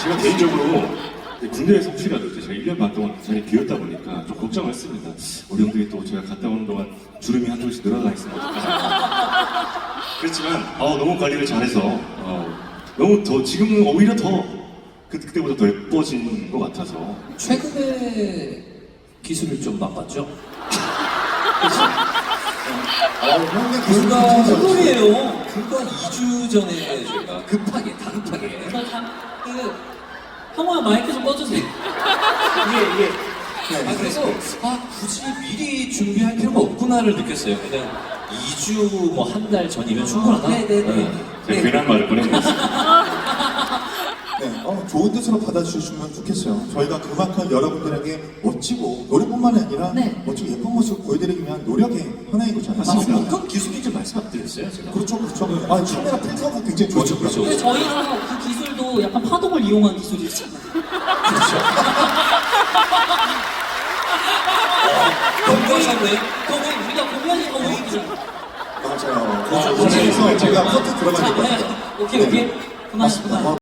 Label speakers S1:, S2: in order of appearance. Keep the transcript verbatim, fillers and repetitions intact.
S1: 제가 개인적으로 군대에서 혹시라도 이제 제가 일 년 반 동안 자리 비었다 보니까 좀 걱정을 했습니다. 우리 형들이 또 제가 갔다 오는 동안 주름이 한쪽씩 늘어나 있으면 어떡하나. 그렇지만 어, 너무 관리를 잘해서 어, 너무 더 지금은 오히려 더 그, 그때보다 더 예뻐진 것 같아서.
S2: 최근에 기술을 좀 맛봤죠?
S3: 아, 형님
S2: 불과
S3: 기술
S2: hul이에요. 불과 이 주 전에 제가 급하게 다급하게
S4: 저 잠, 그, 형아 마이크 좀 꺼주세요.
S2: 이게 이게 아 그래서 아 굳이 미리 준비할 필요가 없구나를 느꼈어요. 그냥 이 주 뭐 한 달 전이면 충분하다.
S4: 네네네.
S1: 제가 괜한 말을 꺼내놨습니다.
S3: 네, 어, 좋은 뜻으로 받아주시면 좋겠어요. 저희가 그만큼 여러분들에게 멋지고 노래뿐만이 아니라
S4: 네.
S3: 멋지고 예쁜 모습 보여드리기 위한 노력의 하나인 거잖아요.
S2: 아, 어떤 기술인지 말씀 안 드렸어요, 제가.
S3: 그렇죠, 그렇죠. 아, 카메라 필터가 굉장히
S2: 그렇죠,
S3: 좋아졌고요.
S2: 그렇죠.
S4: 근데 저희는 그 기술도 약간 파동을 이용한 기술이잖아요.
S2: 공부하셨네.
S4: 그거 우리가 공연이 더 오익이잖아.
S3: 맞아요.
S2: 그렇죠.
S3: 그래서 제가 커트
S4: 자,
S3: 들어가는 것 같아요.
S4: 네. 오케이, 오케이. 그만,
S3: 맞습니다.
S4: 그만.